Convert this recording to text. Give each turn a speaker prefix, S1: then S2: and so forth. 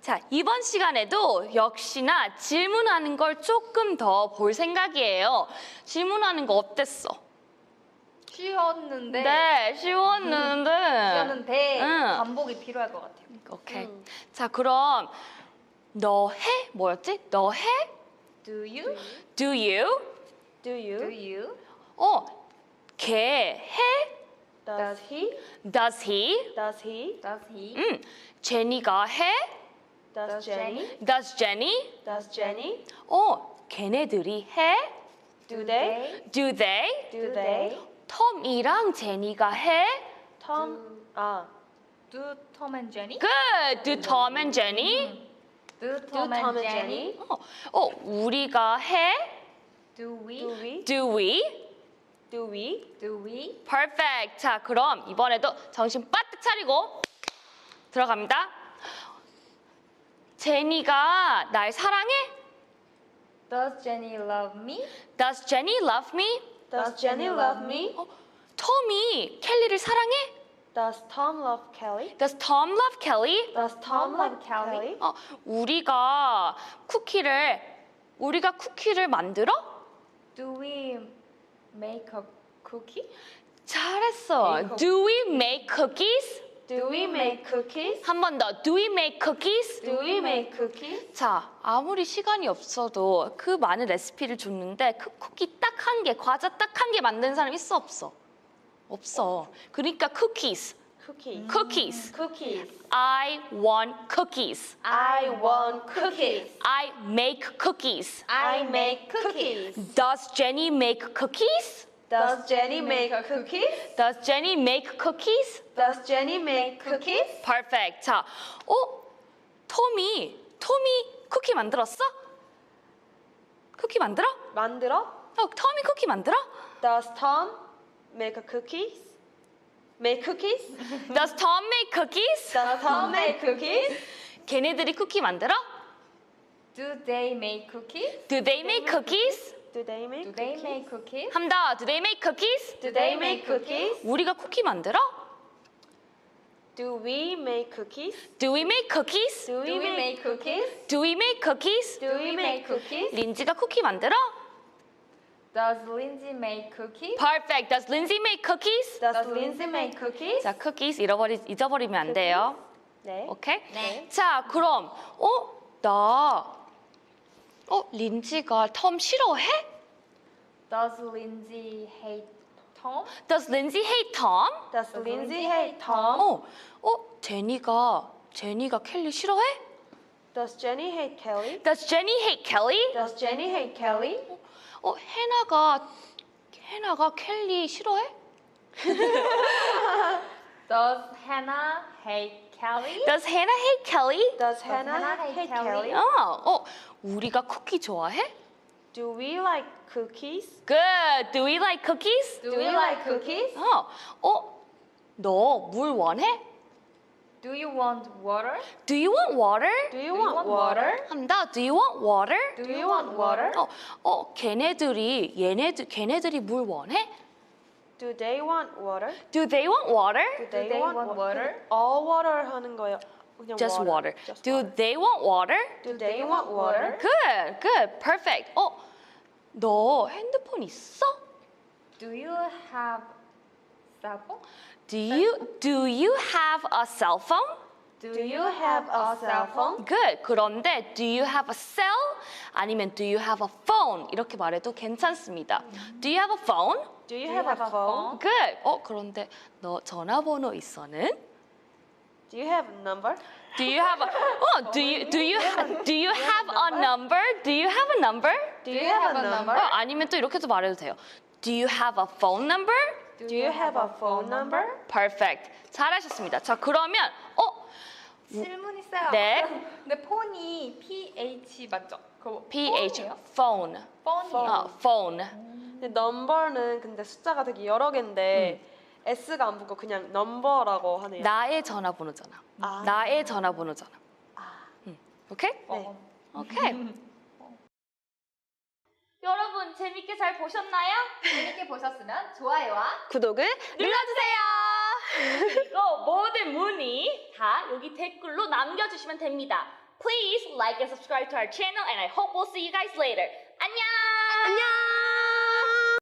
S1: 자, 이번 시간에도 역시나 질문하는 걸 조금 더 볼 생각이에요. 질문하는 거 어땠어?
S2: 쉬었는데
S1: 네, 쉬웠는데. 응.
S2: 반복이 필요할 것 같아요.
S1: 오케이. 자, 그럼 너 해? 뭐였지? 너 해?
S2: Do you?
S1: Do you?
S2: Do you?
S1: 걔 해?
S2: Does he?
S1: Does he?
S2: Does he? Does he?
S1: 제니가 해?
S2: Does Jenny?
S1: Does Jenny?
S2: Does Jenny?
S1: 걔네들이 해?
S2: Do they?
S1: Do they?
S2: Do they?
S1: 톰이랑 제니가 해?
S2: Do Tom and Jenny?
S1: Good. Do Tom and Jenny?
S2: Do Tom and Jenny?
S1: 우리가 해?
S2: Do we?
S1: Do we?
S2: Do we? Do we?
S1: Perfect. 자, 그럼 이번에도 정신 바짝 차리고 들어갑니다. 제니가 날 사랑해?
S2: Does Jenny love me?
S1: Does Jenny love me?
S2: Does Jenny love me?
S1: 톰이 켈리를 사랑해?
S2: Does Tom love Kelly?
S1: Does Tom love Kelly?
S2: Does Tom love Kelly?
S1: 우리가 쿠키를 만들어?
S2: Do we make a cookie?
S1: 잘했어.
S2: Make
S1: Do we make cookies?
S2: Do we make cookies?
S1: 한 번 더. Do we make cookies?
S2: Do we make cookies?
S1: 자, 아무리 시간이 없어도 그 많은 레시피를 줬는데 그 쿠키 딱 한 개, 과자 딱 한 개 만든 사람 있어 없어? 없어. 그러니까 cookies.
S2: Cookies.
S1: Cookies.
S2: Cookies.
S1: I want cookies.
S2: I want cookies.
S1: I make cookies.
S2: I make cookies.
S1: Does Jenny make cookies?
S2: Does Jenny make cookies?
S1: Does Jenny make cookies?
S2: Does Jenny make cookies?
S1: Perfect. 자, 톰이 쿠키 만들었어? 쿠키 만들어?
S2: 만들어?
S1: 톰이 쿠키 만들어?
S2: Does Tom make cookies? Make cookies?
S1: Does Tom make cookies?
S2: Does Tom make cookies?
S1: 걔네들이 쿠키 만들어?
S2: Do they make cookies?
S1: Do they make cookies?
S2: Do they make
S3: Do they make cookies?
S1: 한 더. Do they make cookies?
S2: Do they make cookies?
S1: 우리가 쿠키 만들어?
S2: Do we make cookies?
S1: Do we make cookies?
S2: Do we make cookies?
S1: Do we make cookies?
S2: Do we make cookies?
S1: 린지가 쿠키 만들어?
S3: Does Lindsay make cookies?
S1: Perfect. Does Lindsay make cookies?
S2: Does Lindsay make cookies?
S1: 자, cookies 잊어버리면 안 돼요.
S2: 네.
S1: 오케이?
S3: 네.
S1: 자, 그럼 린지가 톰 싫어해?
S3: Does Lindsay hate Tom?
S1: Does Lindsay hate Tom?
S2: Does Lindsay hate Tom?
S1: 제니가 켈리 싫어해?
S2: Does Jenny hate Kelly?
S1: Does Jenny hate Kelly?
S2: Does Jenny hate Kelly?
S1: 해나가 켈리 싫어해?
S3: Does Hannah hate Kelly?
S1: Does Hannah hate Kelly?
S2: Does
S3: Hannah
S2: Hannah
S3: hate
S2: hate
S3: Kelly?
S2: Kelly?
S1: 우리가 쿠키 좋아해?
S2: Do we like cookies?
S1: Good. Do we like cookies?
S2: Do we like cookies?
S1: 너 물 원해?
S3: Do you want water?
S1: Do you want water?
S2: Do you want water?
S1: 한다. Do you want water?
S2: Do you want water?
S1: 걔네들이 물 원해?
S2: Do they want water?
S1: Do they want water?
S2: Do
S3: they want water?
S2: All water 하는 거예요. 그냥
S1: Just water.
S2: Just
S1: Do
S2: water.
S1: they want water?
S2: Do they want water?
S1: Good, perfect. 너 핸드폰 있어?
S3: Do you have cell phone?
S1: Do you have a cell phone?
S2: Do you have a cell phone?
S1: Good. 그런데 do you have a cell? 아니면 do you have a phone? 이렇게 말해도 괜찮습니다. Do you have a phone?
S2: Do you have a phone?
S1: Good. 그런데 너 전화번호 있어는?
S2: Do you have a number?
S1: Do you have a do you have a number? Do you have a number?
S2: Do you have a number?
S1: 아니면 또 이렇게도 말해도 돼요. Do you have a phone number?
S2: Do you have a phone number?
S1: Perfect. 잘하셨습니다. 자, 그러면
S3: 질문 있어요.
S1: 네.
S3: 근데 폰이 PH 맞죠? 그거
S1: PH
S3: 폰이에요?
S1: phone.
S3: 폰이에요.
S1: phone.
S2: 근데 넘버는 근데 숫자가 되게 여러 개인데 S가 안 붙고 그냥 넘버라고 하네요.
S1: 나의 전화번호잖아.
S2: 아.
S1: 나의 전화번호잖아. 오케이?
S2: 네.
S1: 오케이. 여러분 재밌게 잘 보셨나요?
S3: 재밌게 보셨으면 좋아요와
S2: 구독을
S1: 눌러주세요. 그리고 모든 문의 다 여기 댓글로 남겨주시면 됩니다. Please like and subscribe to our channel and I hope we'll see you guys later.